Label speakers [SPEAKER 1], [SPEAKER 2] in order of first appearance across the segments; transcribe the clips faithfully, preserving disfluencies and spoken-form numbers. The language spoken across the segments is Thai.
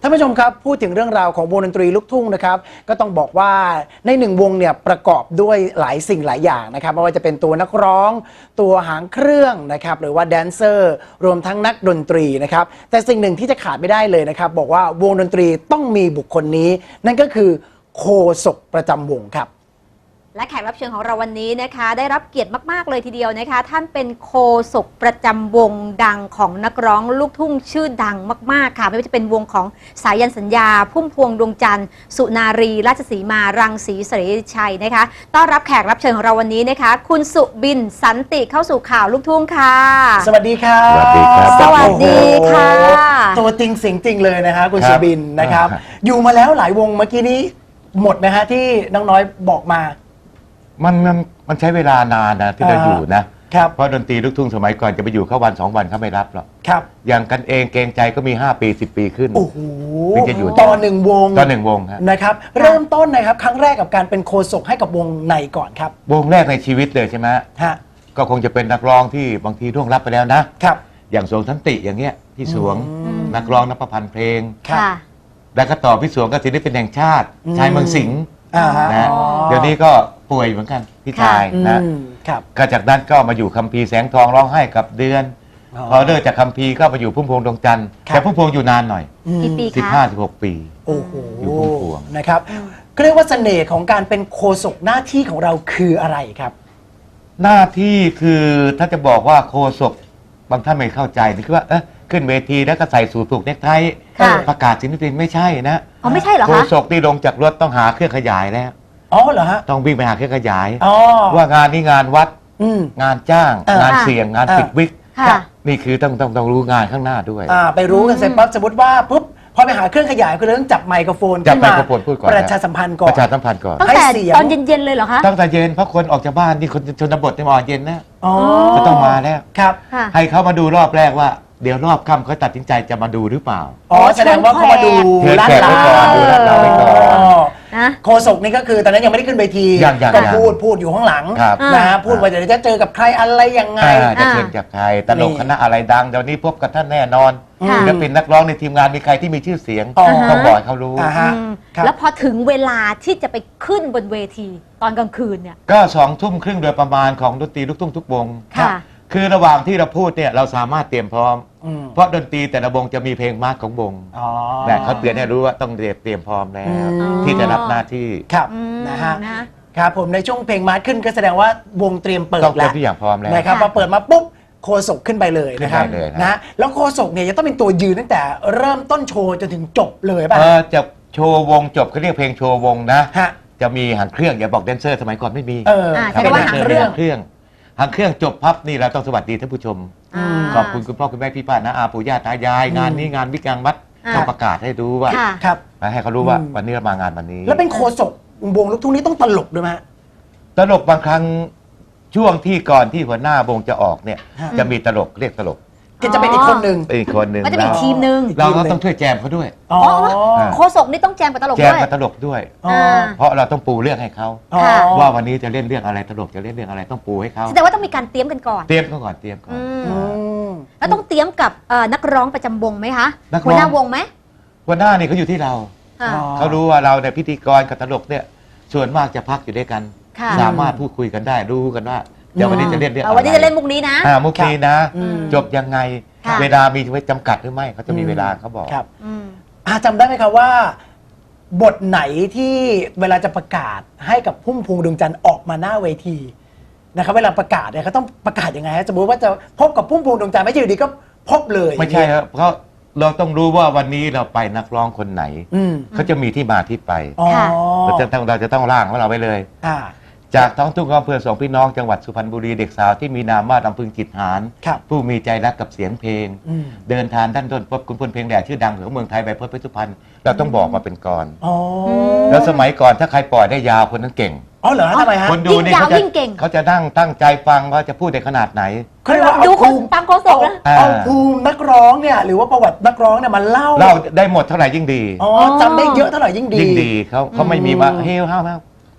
[SPEAKER 1] ท่านผู้ชมครับพูดถึงเรื่องราวของวงดนตรีลูกทุ่งนะครับก็ต้องบอกว่าในหนึ่งวงเนี่ยประกอบด้วยหลายสิ่งหลายอย่างนะครับไม่ว่าจะเป็นตัวนักร้องตัวหางเครื่องนะครับหรือว่าแดนเซอร์รวมทั้งนักดนตรีนะครับแต่สิ่งหนึ่งที่จะขาดไม่ได้เลยนะครับบอกว่าวงดนตรีต้องมีบุคคลนี้นั่นก็คือโฆษกประจำวงครับ
[SPEAKER 2] และแขกรับเชิญของเราวันนี้นะคะได้รับเกียรติมากๆเลยทีเดียวนะคะท่านเป็นโฆษกประจำวงดังของนักร้องลูกทุ่งชื่อดังมากๆค่ะไม่ว่าจะเป็นวงของสายันสัญญาพุ่มพวงดวงจันทร์สุนารีราชสีมารังสีเสรีชัยนะคะต้อนรับแขกรับเชิญของเราวันนี้นะคะคุณสุบินสันติเข้าสู่ข่าวลูกทุ่งค่ะ
[SPEAKER 1] สวัสดีครับ
[SPEAKER 3] สวัสดีครับ
[SPEAKER 2] สวัสดีค่ะ
[SPEAKER 1] ตัวจริงเสียงจริงเลยนะคะคุณสุบินนะครับอยู่มาแล้วหลายวงเมื่อกี้นี้หมดนะฮะที่น้องน้อยบอกมา
[SPEAKER 3] มันมันมันใช้เวลานานนะที่เราอยู่นะครับเพราะดนตรีลูกทุ่งสมัยก่อนจะไปอยู่เข้าวันสองวันเขาไม่รับหรอก
[SPEAKER 1] ครับ
[SPEAKER 3] อย่างกันเองเกรงใจก็มีห้าปีสิบปีขึ้น
[SPEAKER 1] โอ้โห
[SPEAKER 3] ถึงจะอยู่
[SPEAKER 1] ต่อหนึ่งวง
[SPEAKER 3] ต่อหนึ่งวง
[SPEAKER 1] นะครับเริ่มต้นนะครับครั้งแรกกับการเป็นโฆษกให้กับวงไหนก่อนครับ
[SPEAKER 3] วงแรกในชีวิตเลยใช่ไหม
[SPEAKER 1] ฮะ
[SPEAKER 3] ก็คงจะเป็นนักร้องที่บางทีร่วงรับไปแล้วนะครับอย่างสวงสันติอย่างเงี้ยพี่สวงนักร้องนักประพันธ์เพลงแล้วก็ต่อพี่สวงก็ศิลปินแห่งชาติชายเมืองสิงห์นะเดี๋ยวนี้ก็ป่วยเหมือนกันพี่ชายนะก็จากนั้นก็มาอยู่คัมภีร์แสงทองร้องไห้กับเดือนพอเลิกจากคัมภีร์ก็มาอยู่พุ่มพวงดวงจันทร์แต่พุ่มพวงอยู่นานหน่อย
[SPEAKER 2] กี่ปีคะ
[SPEAKER 3] สิบห้าสิบหกปี
[SPEAKER 1] โอ้โห
[SPEAKER 3] อยู่พุ่มพวง
[SPEAKER 1] นะครับก็เรียกว่าเสน่ห์ของการเป็นโฆษกหน้าที่ของเราคืออะไรครับ
[SPEAKER 3] หน้าที่คือถ้าจะบอกว่าโฆษกบางท่านไม่เข้าใจนี่คือว่าเออขึ้นเวทีแล้วก็ใส่สูทผูกเนคไทประกาศศิลปินไม่ใช่นะ
[SPEAKER 2] อ๋อไม่ใช่เหรอคะ
[SPEAKER 3] โฆษกที่ลงจากรถต้องหาเครื่องขยายแล้ว
[SPEAKER 1] อ๋อเหรอฮะ
[SPEAKER 3] ต้องวิ่งไปหาเครื่องขยายว่างานนี้งานวัดงานจ้างงานเสี่ยงงานปิดวิกนี่คือต้องต้องต้องรู้งานข้างหน้าด้วย
[SPEAKER 1] ไปรู้กันเสร็จปั๊บสมมติว่าปุ๊บพอไปหาเครื่องขยายก็เรื่องจับไมโครโฟน
[SPEAKER 3] จับไมโครโฟนพูดก่อน
[SPEAKER 1] ประชาสัมพันธ์ก่อน
[SPEAKER 3] ประชาสัมพันธ์ก่อน
[SPEAKER 2] ตั้งแต่ตอนเย็นๆเลยเหรอคะ
[SPEAKER 3] ตั้งแต่เย็นเพราะคนออกจากบ้านนี่คนชนบทจะมาเย็นนะก็ต้องมาแล้ว
[SPEAKER 1] ครับ
[SPEAKER 3] ให้เขามาดูรอบแรกว่าเดี๋ยวรอบค่ำเขาตัดสินใจจะมาดูหรือเปล่า
[SPEAKER 1] อ๋อแสดงว่าเขามาดู
[SPEAKER 3] ลาดลาวดูลาดลาวไปก่อน
[SPEAKER 1] โฆษกนี่ก็คือตอนนั้นยังไม่ได้ขึ้นเวทีก็พูดพูดอยู่ข้างหลังนะฮะพูดว่าเดี๋ยวจะเจอกับใครอะไรยังไง
[SPEAKER 3] จะเจอกับใครตลกคณะอะไรดังเดี๋ยวนี้พบกับท่านแน่นอนจะเป็นนักร้องในทีมงานมีใครที่มีชื่อเสียงต้องบอกเขารู้
[SPEAKER 2] แล้วพอถึงเวลาที่จะไปขึ้นบนเวทีตอนกลางคืนเนี่ย
[SPEAKER 3] ก็สองทุ่มครึ่งโดยประมาณของดนตรีลูกทุ่งทุกวงคือระหว่างที่เราพูดเนี่ยเราสามารถเตรียมพร้อมเพราะดนตรีแต่ละวงจะมีเพลงมาร์กของวงแต่เขาเตือนให้รู้ว่าต้องเตรียมเตรียมพร้อมแล้วที่จะรับหน้าที่
[SPEAKER 1] ครับนะฮะครับผมในช่วงเพลงมาร์กขึ้นก็แสดงว่าวงเตรียมเปิดแล้ว
[SPEAKER 3] ทุกอย่างพร้อมแล้ว
[SPEAKER 1] นะครับพอเปิดมาปุ๊บโฆษกขึ้นไปเลยนะครับนะแล้วโฆษกเนี่ยจะต้องเป็นตัวยืนตั้งแต่เริ่มต้นโชว์จนถึงจบเลยป่ะ
[SPEAKER 3] เออจะโชว์วงจบเขาเรียกเพลงโชว์วงนะจะมีหางเครื่องอย่าบอกแดนเซอร์สมัยก่อนไม่มี
[SPEAKER 1] เออ
[SPEAKER 2] เป็นหางเครื่อง
[SPEAKER 3] เครื่องหางเครื่องจบพับนี่เราต้องสวัสดีท่านผู้ชมขอบคุณคุณพ่อคุณแม่พี่ป้าน้าอาปู่ย่าตายายงานนี้งานวิกงานวัดต้องประกาศให้รู้ว่า
[SPEAKER 1] ครับ
[SPEAKER 3] ให้เขารู้ว่าวันนี้เรามางานวันนี้
[SPEAKER 1] แล้วเป็นโฆษกวงลูกทุ่งนี้ต้องตลกด้วยไหม
[SPEAKER 3] ตลกบางครั้งช่วงที่ก่อนที่หัวหน้าวงจะออกเนี่ยจะมีตลกเรียกตลก
[SPEAKER 1] ก็จะเป็นอีกคนหนึ่ง
[SPEAKER 3] อีกคนหนึ่ง
[SPEAKER 2] ก็จะเป็นทีมหนึ่ง
[SPEAKER 3] เราก็ต้องช่วยแจมเขาด้วย
[SPEAKER 2] อ๋อโฆษกนี่ต้องแจมกับตลกด้วย
[SPEAKER 3] แจมกับตลกด้วยเพราะเราต้องปูเรื่องให้เขาว่าวันนี้จะเล่นเรื่องอะไรตลกจะเล่นเรื่องอะไรต้องปูให้เขา
[SPEAKER 2] แสดงว่าต้องมีการเตรียมกันก่อน
[SPEAKER 3] เตรียมก่อนเตรียมก่อน
[SPEAKER 2] แล้วต้องเตรียมกับนักร้องประจำวงไหมคะหัวหน้าวงไหม
[SPEAKER 3] หัวหน้านี่เขาอยู่ที่เราเขารู้ว่าเราเนี่ยพิธีกรกับตลกเนี่ยส่วนมากจะพักอยู่ด้วยกันสามารถพูดคุยกันได้รู้กันว่าเดี๋ยววันนี้จะเล่นเรื่องอะไร
[SPEAKER 2] วันนี้จะเล่นมุกนี้นะ
[SPEAKER 3] มุกนี้นะจบยังไงเวลามีไว้จำกัดหรือไม่เขาจะมีเวลาเขาบอก
[SPEAKER 1] ครับจำได้ไหมครับว่าบทไหนที่เวลาจะประกาศให้กับพุ่มพวงดวงจันทร์ออกมาหน้าเวทีนะครับเวลาประกาศเนี่ยเขาต้องประกาศยังไงสมมติว่าจะพบกับพุ่มพวงดวงจันทร์ไม่ใช่อยู่ดีก็พบเลย
[SPEAKER 3] ไม่ใช่ครับเพราะเราต้องรู้ว่าวันนี้เราไปนักร้องคนไหนเขาจะมีที่มาที่ไปเราจะต้องเราจะต้องร่างของเราไว้เลยจากท้องทุ่งอำเภอสองพี่น้องจังหวัดสุพรรณบุรีเด็กสาวที่มีนามว่าลำพึงจิตหารผู้มีใจรักกับเสียงเพลงเดินทางด้านต้นพบคุณพลเพลงแดดชื่อดังของเมืองไทยใบพจน์เพชรสุพรรณเราต้องบอกมาเป็นกรแล้วสมัยก่อนถ้าใครปล่อยได้ยาวคนนั้นเก่ง
[SPEAKER 1] อ๋อเหรอทำไมฮะ
[SPEAKER 3] คนดูนี่เขาจะเขาจะนั่งตั้งใจฟังว่าจะพูดในขนาดไหน
[SPEAKER 1] เขาเรียกว่า
[SPEAKER 2] ดูคนฟังโฆษกนะ
[SPEAKER 1] เอาภูมินักร้องเนี่ยหรือว่าประวัตินักร้องเนี่ยมาเล่า
[SPEAKER 3] เล่าได้หมดเท่าไหร่ยิ่งดี
[SPEAKER 1] อ๋อจำได้เยอะเท่าไหร่ยิ่งดี
[SPEAKER 3] ยิ่งดีเขาเขาไม่มีว่าเฮ้ยห้าวห้าว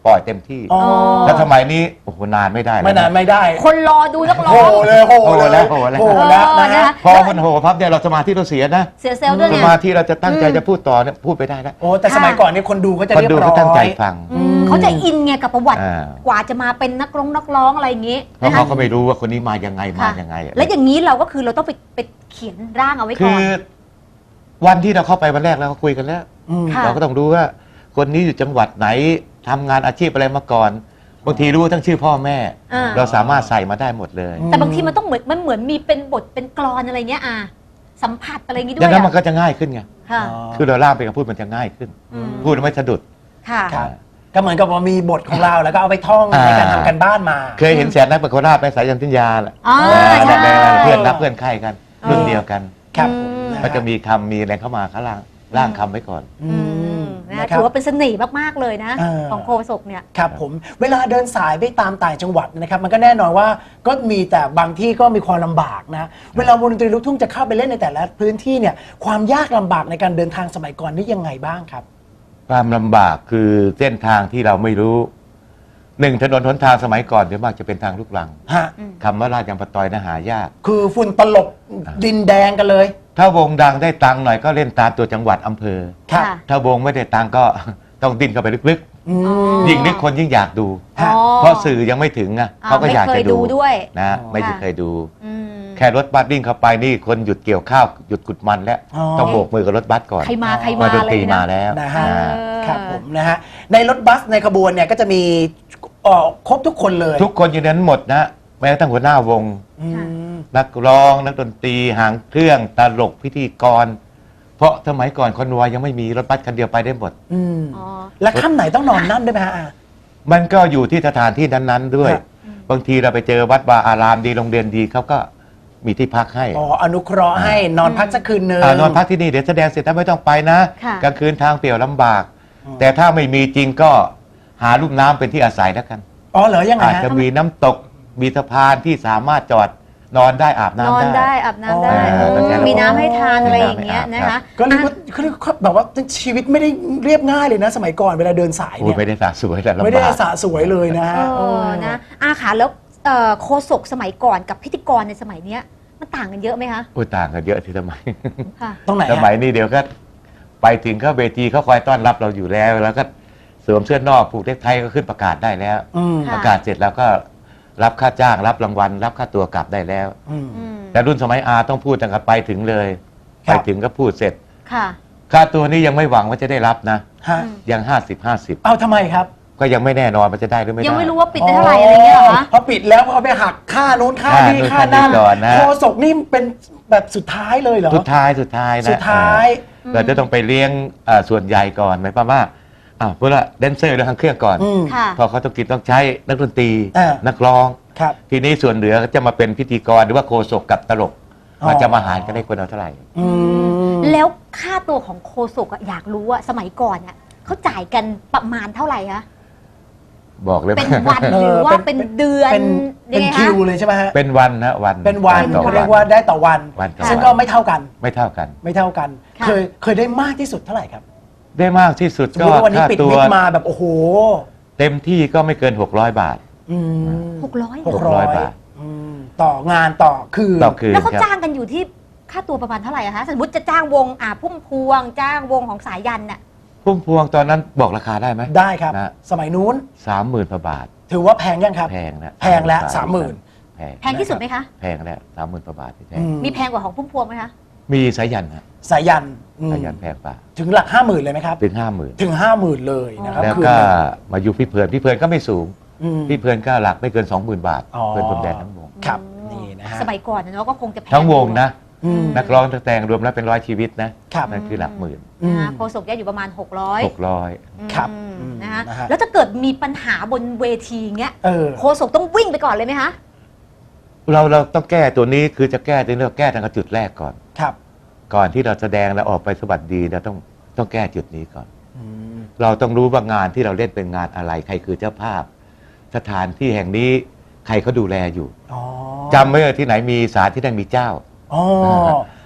[SPEAKER 3] ปล่อยเต็มที่
[SPEAKER 1] อ๋อ
[SPEAKER 3] ถ้าสมัยนี้โอ้โหนานไม่ได้แล้ว
[SPEAKER 1] ไม่นานไม่ได้
[SPEAKER 2] คนรอดูนักร้
[SPEAKER 1] โห
[SPEAKER 2] อง
[SPEAKER 1] เลยโห
[SPEAKER 3] โห
[SPEAKER 1] เลย
[SPEAKER 3] แล้วโหแล้ว
[SPEAKER 1] โหแล้วนะ
[SPEAKER 2] เออนะ
[SPEAKER 1] ฮะ
[SPEAKER 2] คะ
[SPEAKER 3] พอมันโหพับเนี่ยเราสมาธิเราเสียนะ
[SPEAKER 2] เสียเซลล์ด้วย
[SPEAKER 3] ส
[SPEAKER 2] ไง
[SPEAKER 3] มาธิเราจะตั้งใจ
[SPEAKER 2] อืม
[SPEAKER 3] จะพูดต่อเนี่ยพูดไปได้แล้ว
[SPEAKER 1] โอ้แต่สมัยก่อนเนี่ยคนดูเขาจะ
[SPEAKER 3] คน
[SPEAKER 1] เรียบ
[SPEAKER 3] ดู
[SPEAKER 1] ร้อย
[SPEAKER 3] เขาตั้งใจฟัง
[SPEAKER 2] อืมเขาจะอินไงกับประวัติ
[SPEAKER 3] อ่า
[SPEAKER 2] กว่าจะมาเป็นนักร้องนักร้องอะไรอย่างงี้
[SPEAKER 3] เพราะ
[SPEAKER 2] นะคะ
[SPEAKER 3] เขาก็ไม่รู้ว่าคนนี้มายังไงมา
[SPEAKER 2] ค่ะ
[SPEAKER 3] ยังไงอะ
[SPEAKER 2] แล้วอย่างนี้เราก็คือเราต้องไปไปเขียนร่างเอาไว้
[SPEAKER 3] คื
[SPEAKER 2] ก่อน
[SPEAKER 3] อวันที่เราเข้าไปวันแรกเราก็คุยกันแล้ว
[SPEAKER 1] ม
[SPEAKER 2] ค่ะ
[SPEAKER 3] เราก็ต้องรู้ว่าคนนี้อยู่จังหวัดไหนทำงานอาชีพอะไรมาก่อนบางทีรู้ทั้งชื่อพ่อแม่
[SPEAKER 2] อ่า
[SPEAKER 3] เราสามารถใส่มาได้หมดเลย
[SPEAKER 1] อืม
[SPEAKER 2] แต่บางทีมันต้องเหมือนมันเหมือนมีเป็นบทเป็นกลอนอะไรเงี้ยอ่ะสัมผัสอะไรอย่างงี้ด้
[SPEAKER 3] ดั
[SPEAKER 2] ว
[SPEAKER 3] ง
[SPEAKER 2] ย
[SPEAKER 3] นั้นมัน
[SPEAKER 2] อ่ะ
[SPEAKER 3] ก็จะง่ายขึ้นไง
[SPEAKER 2] ค่ะ
[SPEAKER 3] คือเราล่ามไปกับพูดมันจะง่ายขึ้น
[SPEAKER 2] อืม
[SPEAKER 3] พูดไม่สะดุด
[SPEAKER 2] ค่ะ
[SPEAKER 1] ครับ ก็เหมือนกับว่ามีบทของเราแล้วก็เอาไปท่อง
[SPEAKER 3] อ่า
[SPEAKER 1] ในการทำกันบ้านมา
[SPEAKER 3] เคยเห็นแสนนักเป็นโคราชไปสายยันทิญญาแหละ
[SPEAKER 2] อ๋อ
[SPEAKER 3] เออ
[SPEAKER 2] ใช่
[SPEAKER 3] นั่นแหละเพื่อนนักเพื่อนไข้กัน
[SPEAKER 2] เออ
[SPEAKER 3] รุ่นเดียวกัน
[SPEAKER 1] ครับ
[SPEAKER 2] อืม
[SPEAKER 1] นฮ
[SPEAKER 3] ก็จะมีคำมีอะไรเข้ามาข้างล่างร่างคำไว้ก่อน
[SPEAKER 1] อื
[SPEAKER 2] อื
[SPEAKER 1] ม
[SPEAKER 2] มนะ
[SPEAKER 1] นะครั
[SPEAKER 2] ถื
[SPEAKER 1] บ
[SPEAKER 2] อว่าเป็นเสน่ห์มากๆเลยนะ
[SPEAKER 1] เออ
[SPEAKER 2] ของโคศกเนี่ย
[SPEAKER 1] ครับผมเวลาเดินสายไปตามต่างจังหวัดนะครับ มันก็แน่นอนว่าก็มีแต่บางที่ก็มีความลำบากนะ เวลาวงดนตรีลูกทุ่งจะเข้าไปเล่นในแต่ละพื้นที่เนี่ยความยากลำบากในการเดินทางสมัยก่อนนี่ยังไงบ้างครับ
[SPEAKER 3] ความลำบากคือเส้นทางที่เราไม่รู้หนึ่งถนนหนทางสมัยก่อนเดี๋ยวมากจะเป็นทางลูกรัง
[SPEAKER 1] ฮะ
[SPEAKER 3] คำว่าราชยำปะตอยนะหายาก
[SPEAKER 1] คือฝุ่นตลบดินแดงกันเลย
[SPEAKER 3] ถ้าวงดังได้ตังค์หน่อยก็เล่นตามตัวจังหวัดอำเภอ
[SPEAKER 1] ครับ
[SPEAKER 2] ค่ะ
[SPEAKER 3] ถ้าวงไม่ได้ตังค์ก็ ต้องดิ้นเข้าไปลึก
[SPEAKER 1] อืม
[SPEAKER 2] อ๋อ
[SPEAKER 3] ๆ ยิ่งนึกคนยิ่งอยากดู
[SPEAKER 1] ฮะ
[SPEAKER 2] อ๋อ
[SPEAKER 3] เพราะสื่อยังไม่ถึงอ่ะ
[SPEAKER 2] อ่า
[SPEAKER 3] เขาก็อยาก
[SPEAKER 2] ไม่เค
[SPEAKER 3] จะ
[SPEAKER 2] ยดูด้วย
[SPEAKER 3] นะ
[SPEAKER 1] อ๋อ
[SPEAKER 3] ไม่
[SPEAKER 2] ค่ะ
[SPEAKER 3] เคยดู
[SPEAKER 2] อืม
[SPEAKER 3] แค่รถบัสวิ่งเข้าไปนี่คนหยุดเกี่ยวข้าวหยุดกุดมันแล้ว
[SPEAKER 1] อ๋อ
[SPEAKER 3] ต้องโบกมือกับรถบัสก่อน
[SPEAKER 2] ใครมาใคร
[SPEAKER 3] ว่า
[SPEAKER 2] มา
[SPEAKER 3] ดน
[SPEAKER 2] อะไร
[SPEAKER 3] ตรีมา
[SPEAKER 2] นะ
[SPEAKER 3] แล้ว
[SPEAKER 1] นะฮะ
[SPEAKER 3] อ่า
[SPEAKER 2] เออ
[SPEAKER 1] ครับผมนะฮะในรถบัสในขบวนเนี่ยก็จะมีเอ่อครบทุกคนเลย
[SPEAKER 3] ทุกคนอยู่ในนั้นหมดนะแม้กระทั่งหัวหน้าวง
[SPEAKER 1] อืม
[SPEAKER 3] นักร้องนักดนตรีหางเครื่องตลกพิธีกร เพราะสมัยก่อนคอนวอยยังไม่มีรถบัสคันเดียวไปได้หมด
[SPEAKER 1] อืม
[SPEAKER 2] อ๋อ
[SPEAKER 1] แล้วค่ำไหนต้องนอนนั่นด้วยไหมฮะอ่ะ
[SPEAKER 3] มันก็อยู่ที่สถานที่นั้นๆด้วย
[SPEAKER 1] ครับ
[SPEAKER 3] บางทีเราไปเจอวัดวาอารามดีโรงเรียนดีเขาก็มีที่พักให้
[SPEAKER 1] อ๋ออนุเคราะห์ให้นอนพักสักคืนนึง
[SPEAKER 3] านอนพักที่นี่เดี๋ยวแสดงเสร็จแล้วไม่ต้องไปนะ
[SPEAKER 2] ค่ะ
[SPEAKER 3] กลางคืนทางเปลี่ยวลำบาก
[SPEAKER 1] อืม
[SPEAKER 3] แต่ถ้าไม่มีจริงก็หาลุ่มน้ำเป็นที่อาศัยแล้วกัน
[SPEAKER 1] อ๋อเหรอยังไง
[SPEAKER 3] อาจ
[SPEAKER 1] ฮะ
[SPEAKER 3] จะมีน้ำตกมีสะพานที่สามารถจอดนอนได้อาบ
[SPEAKER 2] นอ
[SPEAKER 3] น้ำ
[SPEAKER 2] น
[SPEAKER 3] ได้
[SPEAKER 2] ได้อาบน้ำได้
[SPEAKER 1] อ๋อ
[SPEAKER 2] โอ้
[SPEAKER 3] แล้วแค่นั้น
[SPEAKER 2] มีน้ำให้ทานอะไรอย่างเงี้ย
[SPEAKER 3] มี
[SPEAKER 2] นะ
[SPEAKER 3] น้ำให้อาบ
[SPEAKER 2] คะ
[SPEAKER 1] ก็เรียกว่าเขาเรียกว่าแบบว่าชีวิตไม่ได้เรียบง่ายเลยนะ สมัยก่อนเวลาเดินสาย
[SPEAKER 3] โอ้
[SPEAKER 1] เนี่ย ย
[SPEAKER 3] ไม่ได้สะสวยแต่ลำบาก
[SPEAKER 1] ไม่ได้สะสวยเลยนะฮะ
[SPEAKER 2] เออนะอาค่ะแล้วเอ่อโคศกสมัยก่อนกับพิธีกรในสมัยเนี้ยมันต่างกันเยอะไหมคะ
[SPEAKER 3] โอ้ยต่างกันเยอะที่สมัย
[SPEAKER 2] ค่ะ
[SPEAKER 1] ตรงไหน
[SPEAKER 3] ส
[SPEAKER 1] ฮะ
[SPEAKER 3] มัยนี้เดี๋ยวก็ไปถึงเข้าเวทีเขาคอยต้อนรับเราอยู่แล้ว แล้วก็สวมเสื้อนอกผูกเนคไทก็ขึ้นประกาศได้แล้ว
[SPEAKER 1] อืม
[SPEAKER 2] ค่ะ
[SPEAKER 3] ประกาศเสร็จแล้วก็รับค่าจ้างรับรางวัล รับค่าตัวกลับได้แล้ว
[SPEAKER 1] อืม
[SPEAKER 2] อืม
[SPEAKER 3] แต่รุ่นสมัยอาต้องพูดตั้งแต่ไปถึงเลย
[SPEAKER 1] ครั
[SPEAKER 3] ไป
[SPEAKER 1] บ
[SPEAKER 3] ถึงก็พูดเสร็จ
[SPEAKER 2] ค่ะ
[SPEAKER 3] ค่าตัวนี้ยังไม่หวังว่าจะได้รับนะ
[SPEAKER 1] ฮะ
[SPEAKER 2] อืม
[SPEAKER 3] ยังห้าสิบห้าสิบ
[SPEAKER 1] เอาทำไมครับ
[SPEAKER 3] ก็ยังไม่แน่นอนว่าจะได้หรือไม่ได้
[SPEAKER 2] ยังไม่รู้ว่าปิดได้เท่าไหร่อะไรเงี้ยเหรอคะ
[SPEAKER 1] พอปิดแล้วพอไปหักค่านู้นค่า
[SPEAKER 3] ค่า
[SPEAKER 1] นี้
[SPEAKER 3] นู้น
[SPEAKER 1] ค่านั่น
[SPEAKER 3] ค่านี้ก่อนนะ
[SPEAKER 1] โคศกนี่เป็นแบบสุดท้ายเลยเหรอ
[SPEAKER 3] สุดท้ายสุดท้ายนะ
[SPEAKER 1] สุดท้าย
[SPEAKER 3] เออเราจะต้องไปเลี้ยงเอ่อส่วนใหญ่ก่อนหมายความว่าอ้าวเพื่อแดนเซอร์เรื่องทางเครื่องก่อน
[SPEAKER 1] อืม
[SPEAKER 2] ค่ะ
[SPEAKER 3] พอเขาต้องกินต้องใช้นักดนตรี
[SPEAKER 1] อ่านั
[SPEAKER 3] นักร้อง
[SPEAKER 1] ครับ
[SPEAKER 3] ทีนี้ส่วนเหลือก็จะมาเป็นพิธีกรหรือว่าโคศกกับตลก
[SPEAKER 1] อ๋อ
[SPEAKER 3] มันจะมาหารกันได้คนเอาเท่าไหร่
[SPEAKER 1] อืม
[SPEAKER 2] แล้วค่าตัวของโคศกอะอยากรู้ว่าสมัยก่อนอะเขาจ่ายกันประมาณเท่าไหร่คะ
[SPEAKER 3] บอกเลย
[SPEAKER 2] เป็น
[SPEAKER 3] ว่า
[SPEAKER 2] วันหรือว่าเป็นเดือน
[SPEAKER 1] เป็น
[SPEAKER 2] ยั
[SPEAKER 1] เป็
[SPEAKER 2] ง
[SPEAKER 1] น
[SPEAKER 2] ไง
[SPEAKER 1] คิ
[SPEAKER 2] คะ
[SPEAKER 1] วเลยใช่ไหมฮะ
[SPEAKER 3] เป็นวันนะวัน
[SPEAKER 1] เป็นวัน
[SPEAKER 3] ต่อ
[SPEAKER 1] เขาเรียกว่าได้ต่อวัน
[SPEAKER 3] วันต่อ
[SPEAKER 1] ซึ่ง
[SPEAKER 3] วั
[SPEAKER 1] ก็
[SPEAKER 3] น
[SPEAKER 1] ไม่เท่ากัน
[SPEAKER 3] ไม่เท่ากัน
[SPEAKER 1] ไม่เท่ากัน
[SPEAKER 2] ค่ะ
[SPEAKER 1] เคยเคยได้มากที่สุดเท่าไหร่ครับ
[SPEAKER 3] ได้มากที่สุด
[SPEAKER 1] สม
[SPEAKER 3] ก็
[SPEAKER 1] มติว่าวันนี้
[SPEAKER 3] ค่า
[SPEAKER 1] ปิด
[SPEAKER 3] ตัว
[SPEAKER 1] มิดมาแบบโอ้โห
[SPEAKER 3] เต็มที่ก็ไม่เกิน หกร้อย บาท
[SPEAKER 1] อืม
[SPEAKER 2] หกร้อย
[SPEAKER 1] หกร้อย
[SPEAKER 3] บาท
[SPEAKER 1] อืมต่องานต่อคืน
[SPEAKER 3] ต่อคืน
[SPEAKER 2] แล้วเขา
[SPEAKER 3] ครับ
[SPEAKER 2] จ้างกันอยู่ที่ค่าตัวประมาณเท่าไหร่อะคะสมมติจะจ้างวงอ่าพุ่มพวง จ้างวงของสายยันน่ะ
[SPEAKER 3] พุ่มพวงตอนนั้นบอกราคาได้ไหม
[SPEAKER 1] ได้ครับ
[SPEAKER 3] นะ
[SPEAKER 1] สมัยนู้น
[SPEAKER 3] สามหมื่นกว่าบาท
[SPEAKER 1] ถือว่าแพงยังครับ
[SPEAKER 3] แพงนะ
[SPEAKER 1] แพงแล้วสามหมื่น
[SPEAKER 3] แพง
[SPEAKER 2] แพงที่สุดไหมคะ
[SPEAKER 3] แพงแล้วสามหมื่นกว่าบาทที่แพ
[SPEAKER 1] อื
[SPEAKER 3] ง
[SPEAKER 1] ม
[SPEAKER 2] มีแพงกว่าของพุ่มพวงไหมคะ
[SPEAKER 3] มีสายยันฮะ
[SPEAKER 1] สายันอืม
[SPEAKER 3] สายยันแพงกว่า
[SPEAKER 1] ถึงหลักห้าหมื่นเลยไหมครับ
[SPEAKER 3] ถึงห้าหมื่น
[SPEAKER 1] ถึงห้าหมื่นเลยนะครับ
[SPEAKER 3] แล้ว
[SPEAKER 1] คืน
[SPEAKER 3] ก็
[SPEAKER 1] หนึ่ง
[SPEAKER 3] มาอยู่พี่เพลินพี่เพลินก็ไม่สูง
[SPEAKER 1] อืม
[SPEAKER 3] พี่เพลินก็หลักไม่เกิน สองหมื่น บาท
[SPEAKER 1] อ๋อ
[SPEAKER 3] เพลินพรมแดนทั้งวง
[SPEAKER 1] ครับ
[SPEAKER 2] อืม
[SPEAKER 1] นี่นะฮะ
[SPEAKER 2] สมัยก่อนนะเนาะก็คงจะแพง
[SPEAKER 3] ทั้งวงนะ
[SPEAKER 1] อืม
[SPEAKER 3] นักร้องนักแต่งรวมแล้วเป็นร้อยชีวิตนะครับ นั่นคือหลักหมื่น
[SPEAKER 1] อืม
[SPEAKER 2] นะคะโคศกจะอยู่ประมาณ หกร้อย
[SPEAKER 3] หกร้อย
[SPEAKER 1] ครับ
[SPEAKER 2] อืม
[SPEAKER 1] อืม
[SPEAKER 2] นะคะ
[SPEAKER 1] นะฮะ
[SPEAKER 2] แล้วถ้าเกิดมีปัญหาบนเวทีเงี้ย
[SPEAKER 1] เออ
[SPEAKER 2] โคศกต้องวิ่งไปก่อนเลยไหมคะ
[SPEAKER 3] เราเราต้องแก้ตัวนี้คือจะแก้ตัวนี้เราแก้ทางจุดแรกก่อน
[SPEAKER 1] ครับ
[SPEAKER 3] ก่อนที่เราแสดงแล้วออกไปสวัสดีเราต้องต้องแก้จุดนี้ก่อน
[SPEAKER 1] อืม
[SPEAKER 3] เราต้องรู้ว่างานที่เราเล่นเป็นงานอะไรใครคือเจ้าภาพ สถานที่แห่งนี้ใครเขาดูแลอยู่
[SPEAKER 1] อ๋อ
[SPEAKER 3] จำไว้ว่าที่ไหนมีศาลที่นั่นมีเจ้า
[SPEAKER 1] อ๋อ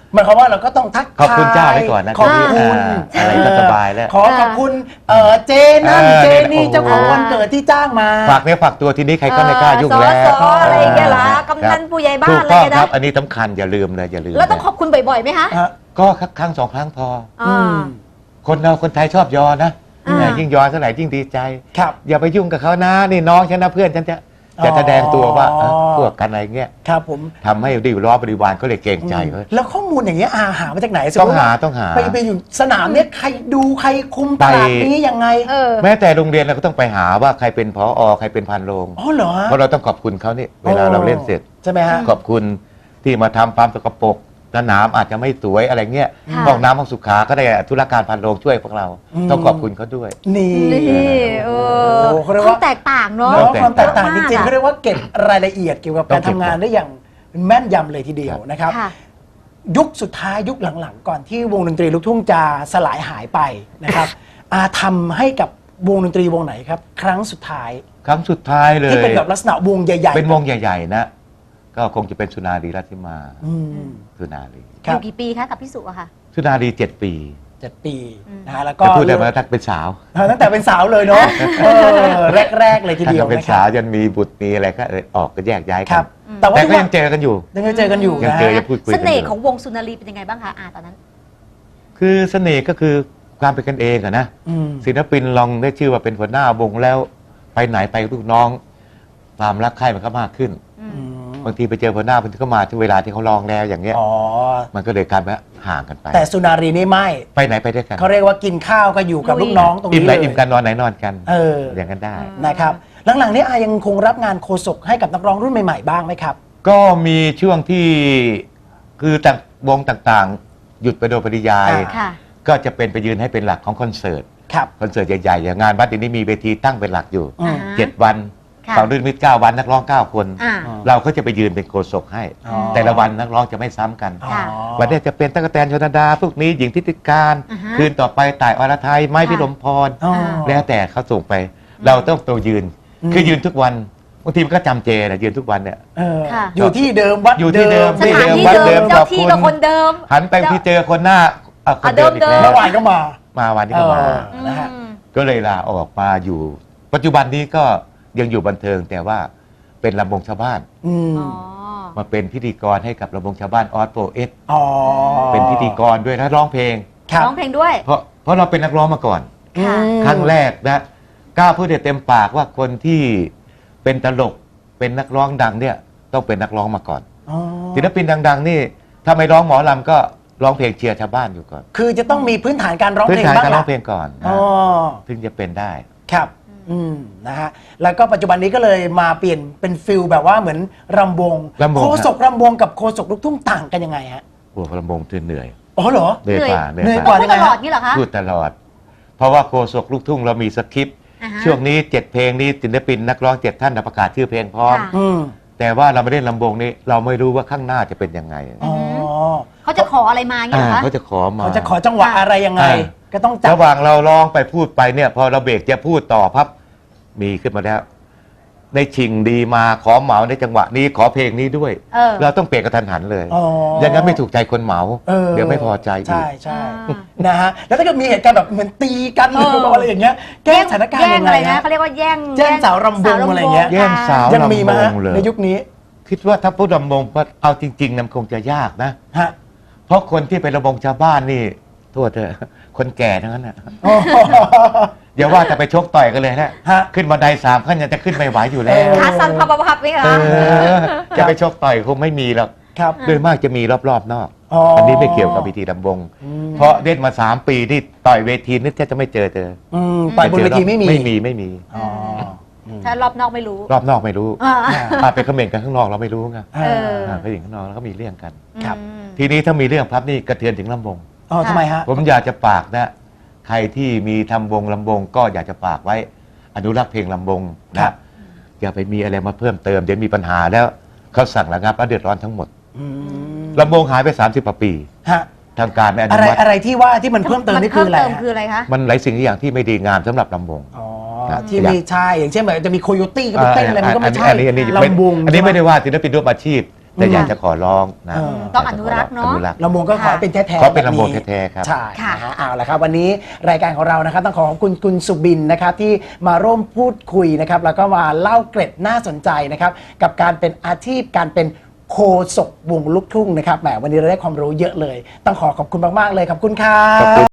[SPEAKER 1] หมายความว่าเราก็ต้องทัก
[SPEAKER 3] ขอบคุณเจ้าไว้ก่อนนะ
[SPEAKER 1] ขอบ
[SPEAKER 3] ที
[SPEAKER 1] คุณ
[SPEAKER 3] อ่าอะไรก็สบายแล้ว
[SPEAKER 1] ขอขอบคุณเอ่อเจนั่น
[SPEAKER 3] เออ
[SPEAKER 1] เจนี่
[SPEAKER 3] โอ้โห
[SPEAKER 1] เจ้าของวันเกิดที่จ้างมา
[SPEAKER 3] ฝากเนื้อฝากตัวทีนี้ใครก็ไม่กล้ายุ่งแล้ว
[SPEAKER 2] สออะไรอย่างเงี้ยเหรอ
[SPEAKER 3] ครับ
[SPEAKER 2] กำนันผู้ใหญ่บ้าน
[SPEAKER 3] ถูก
[SPEAKER 2] อะไร
[SPEAKER 3] ต้อง
[SPEAKER 2] เงี้ย
[SPEAKER 3] ครั
[SPEAKER 2] นะ
[SPEAKER 3] บ อันนี้สำคัญอย่าลืมเลยอย่าลืม
[SPEAKER 2] แล้วต้อง
[SPEAKER 3] นะ
[SPEAKER 2] ขอบคุณบ่อยๆไหมคะ
[SPEAKER 1] ฮะ
[SPEAKER 3] ก็ครั้งสองครั้งพอ
[SPEAKER 2] อ่า
[SPEAKER 3] คนเราคนไทยชอบยอนะ
[SPEAKER 2] อ่า
[SPEAKER 3] แหมยิ่งยอเท่าไหร่ยิ่งดีใจ
[SPEAKER 1] ครับ
[SPEAKER 3] อย่าไปยุ่งกับเขานะนี่น้องฉันนะเพื่อนฉันจะ
[SPEAKER 1] อ๋อ
[SPEAKER 3] จะแสดงตัวว่าเออพวกกันอะไรเงี้ย
[SPEAKER 1] ครับผม
[SPEAKER 3] ทำให้ดิวล้อบริวารก็เลยเกรงใจเขา
[SPEAKER 1] แล้วข้อมูลอย่างเงี้ยอาหามาจากไหน
[SPEAKER 3] ต้องหาต้องหา
[SPEAKER 1] ไปไปอยู่สนามเนี้ยใครดูใครคุมตลาด
[SPEAKER 3] ไป
[SPEAKER 1] นี้ยังไง
[SPEAKER 2] เออ
[SPEAKER 3] แม้แต่โรงเรียนเราก็ต้องไปหาว่าใครเป็นผอใครเป็นพันโรง
[SPEAKER 1] อ๋อเหรอฮะ
[SPEAKER 3] เพราะเราต้องขอบคุณเขานี่เวลาเราเล่นเสร็จ
[SPEAKER 1] ใช่ไหมฮะ
[SPEAKER 3] ขอบคุณที่มาทำความสกปรกสนามอาจจะไม่สวยอะไรเงี้ย
[SPEAKER 2] ค่ะ
[SPEAKER 3] ห้องน้ำห้องสุขาก็ได้ธุรการพันโรงช่วยพวกเรา
[SPEAKER 1] อืม
[SPEAKER 3] ต้องขอบคุณเขาด้วย
[SPEAKER 1] นี่
[SPEAKER 2] นี่เออ
[SPEAKER 1] โอ้เขาเรียก
[SPEAKER 2] ควา
[SPEAKER 1] ว่า
[SPEAKER 2] มแตกต่างเนาะ
[SPEAKER 1] เนาะความแตกต่าง
[SPEAKER 2] เย
[SPEAKER 1] จ
[SPEAKER 2] อะม
[SPEAKER 1] ริงๆ
[SPEAKER 2] อะ
[SPEAKER 1] เขาเรียกว่าเก็บรายละเอียดเกี่ยวกับการ
[SPEAKER 3] ต้องเก็
[SPEAKER 1] ทำ
[SPEAKER 3] บ
[SPEAKER 1] งานได้อย่างแม่นยำเลยทีเดียวนะครับ
[SPEAKER 2] ค่ะ
[SPEAKER 1] ยุคสุดท้ายยุคหลังๆ ก่อนที่วงดนตรีลูกทุ่งจะสลายหายไปนะครับ อาทำให้กับวงดนตรีวงไหนครับ ครั้งสุดท้าย
[SPEAKER 3] ครั้งสุดท้ายเลย
[SPEAKER 1] ที่เป็นแบบลักษณะวงใหญ่ๆ
[SPEAKER 3] เป็นวงใหญ่ ๆ นะ ก็คงจะเป็นสุนารีราชสีมา
[SPEAKER 1] อืม
[SPEAKER 3] สุนารี
[SPEAKER 1] ครั
[SPEAKER 2] อบ ยู่กี่ปีคะกับพี่สุอะค่ะ
[SPEAKER 3] สุนารีเจ็ดปี
[SPEAKER 1] เจ็ดปี
[SPEAKER 2] อืม
[SPEAKER 1] นะฮะแล้วก็
[SPEAKER 3] จะพูดได้ไหมทักเป็นสาว
[SPEAKER 1] เออตั้งแต่เป็นสาวเลยเนาะเออแรก ๆ เลยที
[SPEAKER 3] ถ้า
[SPEAKER 1] เดียว
[SPEAKER 3] เป็น
[SPEAKER 1] นะค
[SPEAKER 3] สา
[SPEAKER 1] รั
[SPEAKER 3] ว
[SPEAKER 1] บ
[SPEAKER 3] ยันมีบุตรมีอะไรก็เออออกก็แยกย้าย
[SPEAKER 1] ค
[SPEAKER 3] กั
[SPEAKER 1] รั
[SPEAKER 3] น
[SPEAKER 1] บ แต่ว่า
[SPEAKER 3] แต่ก็
[SPEAKER 1] ทุก
[SPEAKER 3] ยังเจอกันอยู่
[SPEAKER 1] ยังเจอกันอยู่
[SPEAKER 3] ยัง
[SPEAKER 1] นะ
[SPEAKER 3] เจอ
[SPEAKER 1] ฮะ
[SPEAKER 3] ยังพูดคุย
[SPEAKER 2] เส
[SPEAKER 3] กัน
[SPEAKER 2] น่
[SPEAKER 3] อ
[SPEAKER 2] ห์ของ
[SPEAKER 3] ยู่
[SPEAKER 2] วงสุนารีเป็นยังไงบ้างคะอาตอนนั้น
[SPEAKER 3] คือเสน่ห์ก็คือความเป็นกันเองอะนะ
[SPEAKER 1] อืม
[SPEAKER 3] ศิลปินลองได้ชื่อว่าเป็นหัวหน้าวงแล้วไปไหนไปกับลูกน้อง ความรักใคร่มันก็มากขึ้น
[SPEAKER 2] อืม
[SPEAKER 1] อืม
[SPEAKER 3] บางทีไปเจอหัวหน้าบางทีก็มาที่เวลาที่เขาลองแล้วอย่างเงี้ย
[SPEAKER 1] อ๋อ
[SPEAKER 3] มันก็เลยกลายเป็นว่าห่างกันไป
[SPEAKER 1] แต่สุนารีนี่ไม่
[SPEAKER 3] ไปไหนไปด้วยกัน
[SPEAKER 1] เขาเรียกว่ากินข้าวก็อยู่กับ
[SPEAKER 2] ลุย
[SPEAKER 1] ลูกน้องตรง
[SPEAKER 3] อิ่ม
[SPEAKER 1] นี้
[SPEAKER 3] ไหน
[SPEAKER 1] เลย
[SPEAKER 3] อิ่มกันนอนไหนนอนกัน
[SPEAKER 1] เออ
[SPEAKER 3] อย่างนั้นได้
[SPEAKER 1] นะครับหลังๆนี้อายังคงรับงานโฆษกให้กับนักร้องรุ่นใหม่ๆบ้างไหมครับ
[SPEAKER 3] ก็มีช่วงที่คือต่างวงต่างๆ หยุดไปโดยปริยาย
[SPEAKER 1] อ่า
[SPEAKER 2] ค่ะ
[SPEAKER 3] ก็จะเป็นไปยืนให้เป็นหลักของคอนเสิร์ต
[SPEAKER 1] ครับ
[SPEAKER 3] คอนเสิร์ตใหญ่ๆอย่างงานวัดเดี๋ยวนี้มีเวทีตั้งเป็นหลักอยู่
[SPEAKER 1] อืม
[SPEAKER 2] อ่า
[SPEAKER 3] เจ็ดวัน
[SPEAKER 2] ค่ะ
[SPEAKER 3] สองรื่นมิตรเก้าวันนักร้องเก้าคน
[SPEAKER 2] อ่า
[SPEAKER 3] เราก็จะไปยืนเป็นโฆษกให้
[SPEAKER 1] อ๋อ
[SPEAKER 3] แต่ละวันนักร้องจะไม่ซ้ำกัน
[SPEAKER 1] อ๋อ
[SPEAKER 2] ค่ะ
[SPEAKER 3] วันนี้จะเป็นตั๊กแตนชนดาพวกนี้หญิงทิติการ
[SPEAKER 2] อ่าฮะ
[SPEAKER 3] คืนต่อไปต่ายอรไทยไม้
[SPEAKER 2] ค่ะ
[SPEAKER 3] พิรมพร
[SPEAKER 1] อ๋อ
[SPEAKER 3] แล้วแต่เขาส่งไป เราต้องตัวยืน
[SPEAKER 1] อืม
[SPEAKER 3] คือยืนทุกวันบางทีมันก็จำเจนะยืนทุกวันเนี่ย
[SPEAKER 1] เออ
[SPEAKER 2] ค่ะ
[SPEAKER 1] อยู่ที่เดิมวัด
[SPEAKER 3] อยู่ที่เดิม
[SPEAKER 2] สถานที่
[SPEAKER 3] วัดเดิ
[SPEAKER 2] เดิ
[SPEAKER 3] ม
[SPEAKER 2] มเจ้า
[SPEAKER 3] ขอบ
[SPEAKER 2] ที่
[SPEAKER 3] คุณ
[SPEAKER 2] ก็คนเดิม
[SPEAKER 3] หันไปที่เจอคนหน้าอ่ะคนเดิมอีก
[SPEAKER 2] เดิ
[SPEAKER 3] แล้
[SPEAKER 2] ม
[SPEAKER 1] เมื่
[SPEAKER 3] ว
[SPEAKER 1] อวานก็มา
[SPEAKER 3] มาวันนี้ก็มา
[SPEAKER 1] เออ นะฮะ
[SPEAKER 2] อืม
[SPEAKER 3] ก็เลยลาออกมาอยู่ ปัจจุบันนี้ก็ยังอยู่บันเทิงแต่ว่าเป็นลำวงชาวบ้าน
[SPEAKER 1] อืม
[SPEAKER 2] อ๋อ
[SPEAKER 3] มาเป็นพิธีกรให้กับลำวงชาวบ้านออสโปรเอส
[SPEAKER 1] อ๋อ
[SPEAKER 3] เป็นพิธีกรด้วยนะร้องเพลง
[SPEAKER 1] ครับ
[SPEAKER 2] ร้องเพลงด้วย
[SPEAKER 3] เพราะเพราะเราเป็นนักร้องมาก่อน
[SPEAKER 2] ค่ะ
[SPEAKER 1] อืม
[SPEAKER 3] ครั้งแรกนะกล้าพูดได้เต็มปากว่าคนที่เป็นตลกเป็นนักร้องดังเนี่ยต้องเป็นนักร้องมาก่อน
[SPEAKER 1] อ๋อ
[SPEAKER 3] ศิลปินดัง ๆ นี่ถ้าไม่ร้องหมอลำก็ร้องเพลงเชียร์ชาวบ้านอยู่ก่อน
[SPEAKER 1] คือจะต้องมีพื้นฐานการร้อง
[SPEAKER 3] พื้
[SPEAKER 1] เพ
[SPEAKER 3] น
[SPEAKER 1] ลง
[SPEAKER 3] ฐาน
[SPEAKER 1] บ้าง
[SPEAKER 3] การร้อ
[SPEAKER 1] ล่ะ
[SPEAKER 3] งเพลงก่อน
[SPEAKER 1] อ๋
[SPEAKER 3] นะ
[SPEAKER 1] อ
[SPEAKER 3] ถึงจะเป็นได้
[SPEAKER 1] ครับ อืม นะฮะ แล้วก็ปัจจุบันนี้ก็เลยมาเปลี่ยนเป็นฟิลแบบว่าเหมือนรำวง
[SPEAKER 3] รำวง
[SPEAKER 1] โคศกรำวงกับโคศกลูกทุ่งต่างกันยังไงฮะ
[SPEAKER 3] โอ้ลำวงเหนื่อย
[SPEAKER 1] อ๋อเหรอ
[SPEAKER 3] เหนื่อยกว่า
[SPEAKER 1] เหนื่อย
[SPEAKER 3] ก
[SPEAKER 1] ก
[SPEAKER 3] ว่า
[SPEAKER 1] ว่า
[SPEAKER 2] พูดตลอดนี่เหรอคะ
[SPEAKER 3] พูดตลอด เพราะว่าโคศกลูกทุ่งเรามีสคริปต์
[SPEAKER 2] อ่าฮะ
[SPEAKER 3] ช่วงนี้เจ็ดเพลงนี้ศิลปินนักร้องเจ็ดท่านประกาศชื่อเพลงพร้อม
[SPEAKER 2] ค่ะ
[SPEAKER 1] อืม
[SPEAKER 3] แต่ว่าเราไม่ได้ลำวงนี้เราไม่รู้ว่าข้างหน้าจะเป็นยังไง
[SPEAKER 1] อ๋อ
[SPEAKER 2] เขาจะขออะไรมาเงี้ยเหรอ
[SPEAKER 3] อ่า
[SPEAKER 2] คะ
[SPEAKER 3] เขาจะขอมา
[SPEAKER 1] เขาจะขอจังหวะอะไรยังไง
[SPEAKER 3] อ่า
[SPEAKER 1] ก็ต้องจับ
[SPEAKER 3] ระหว่างเราร้องไปพูดไปเนี่ยพอเราเบรกจะพูดต่อพับมีขึ้นมาแล้ว ในชิงดีมาขอเหมาในจังหวะนี้ขอเพลงนี้ด้วย
[SPEAKER 2] เออ
[SPEAKER 3] เราต้องเปลี่ยนกระทันหันเลย
[SPEAKER 1] อ๋อ
[SPEAKER 3] อย่างนั้นไม่ถูกใจคนเหมา
[SPEAKER 1] ออ
[SPEAKER 3] เดี๋ยวไม่พอใจอีก
[SPEAKER 1] ใช่ใช่
[SPEAKER 2] อ่า
[SPEAKER 1] นะฮะ แล้วถ้าเกิดมีเหตุการณ์แบบเหมือนตีกันห
[SPEAKER 2] เออ
[SPEAKER 1] รืออะไรอย่างเงี้ย แก้สถานการณ์
[SPEAKER 2] แย่
[SPEAKER 1] ยัง ง
[SPEAKER 2] อะ
[SPEAKER 1] ไง
[SPEAKER 2] ไรนะ
[SPEAKER 1] ฮะ
[SPEAKER 2] เขาเรียกว่าแย่ง
[SPEAKER 1] แย่งสาวรำวงอะไรเงี้ย
[SPEAKER 3] แย่งสาว
[SPEAKER 1] ยังมีไหมฮะ
[SPEAKER 3] ลำวงเลย
[SPEAKER 1] ในยุคนี้
[SPEAKER 3] คิดว่าถ้าพูดลำวงก็เอาจริงๆนะมันคงจะยากนะ
[SPEAKER 1] ฮะ
[SPEAKER 3] เพราะคนที่เป็นลำวงชาวบ้านนี่โทษเถอะคนแก่ทั้งนั้นนะ
[SPEAKER 1] อ๋อ
[SPEAKER 3] อย่าว่าแต่ไปชกต่อยกันเลยนะ
[SPEAKER 1] ฮะ
[SPEAKER 3] ขึ้นบันไดสามขั้นยังจะขึ้นไม่ไหวอยู่แล้ว
[SPEAKER 2] ขาสั่นพับพับไหมคะ
[SPEAKER 3] เออจะไปชกต่อยคงไม่มีหรอก
[SPEAKER 1] ครับ
[SPEAKER 3] โดยมากจะมีรอบๆนอก
[SPEAKER 1] อ๋ออั
[SPEAKER 3] อันนี้ไม่เกี่ยวกับพิธีลำวง
[SPEAKER 1] อืม
[SPEAKER 3] เพราะเล่นมาสามปีที่ต่อยเวทีนี่แทบจะไม่เจอเจอ
[SPEAKER 1] อืมต่อยบนเวทีไม่มี
[SPEAKER 3] ไม่มีไม่มี
[SPEAKER 1] อ๋ออืม
[SPEAKER 2] ถ้ารอบนอกไม่รู้
[SPEAKER 3] รอบนอกไม่รู้
[SPEAKER 2] อ่า
[SPEAKER 3] อาไปคอมเมนต์กันข้างนอกเราไม่รู้ไง
[SPEAKER 1] เออ
[SPEAKER 3] อ่าไปถึงข้างนอกแล้วก็มีเรื่องกัน
[SPEAKER 1] ครับ
[SPEAKER 2] อืม
[SPEAKER 3] ทีนี้ถ้ามีเรื่องพับนี่กระเทือนถึงลำวง
[SPEAKER 1] อ๋อทำไมฮะ
[SPEAKER 3] ผมอยากจะฝากนะ ใครที่มีทำวงลำวงก็อยากจะฝากไว้ อนุรักษ์เพลงลำวง
[SPEAKER 1] ครั
[SPEAKER 3] นะ
[SPEAKER 1] บ
[SPEAKER 3] อย่าไปมีอะไรมาเพิ่มเติมเดี๋ยวมีปัญหาแล้วเขาสั่งระงับแล้วเดือดร้อนทั้งหมด
[SPEAKER 1] อืม
[SPEAKER 3] ลำวงหายไปสามสิบกว่าปี
[SPEAKER 1] ฮะ
[SPEAKER 3] ทางการไม่อ
[SPEAKER 1] อะ
[SPEAKER 3] นุ
[SPEAKER 1] ไร
[SPEAKER 3] มัติ
[SPEAKER 1] อะไรที่ว่าที่มันเพิ่มเติมนี่คืออะไร
[SPEAKER 2] เพิ่มเติม
[SPEAKER 1] ฮะ
[SPEAKER 2] คืออะไรคะ
[SPEAKER 3] มันหลายสิ่งหลายอย่างที่ไม่ดีงามสำหรับลำวง
[SPEAKER 1] อ๋อ
[SPEAKER 3] ครับ
[SPEAKER 1] ที่มีใช่อย่างเช่นแบบจะมีโคโยตี้ก็ไปเต้นอะไรมันก็ไม่ใช่
[SPEAKER 3] อันนี้อันนี้ไม่
[SPEAKER 1] ลำวง
[SPEAKER 3] อันนี้ไม่ได้
[SPEAKER 1] ใช่ห
[SPEAKER 3] ว่าศิลปินร่วมอาชีพแต่อยากจะขอร้องนะ
[SPEAKER 1] เออ
[SPEAKER 2] ต้องอนุรักษ์เนอะ
[SPEAKER 3] อนุรักษ์
[SPEAKER 1] ลำวงก็ขอให้เป็นแท้ๆ
[SPEAKER 3] ขอเป็น
[SPEAKER 1] แบบ
[SPEAKER 3] ลำวงแท้ๆครับ
[SPEAKER 1] ใช่
[SPEAKER 2] ค่ะ
[SPEAKER 1] นะฮะเอาละครับวันนี้รายการของเรานะครับต้องขอขอบคุณคุณสุบินนะครับที่มาร่วมพูดคุยนะครับแล้วก็มาเล่าเกร็ดน่าสนใจนะครับกับการเป็นอาชีพการเป็นโคศกวงลูกทุ่งนะครับแหมวันนี้เราได้ความรู้เยอะเลย ต้องขอขอบคุณมากๆเลยขอบคุณครั
[SPEAKER 3] ขอบคุณ
[SPEAKER 1] บ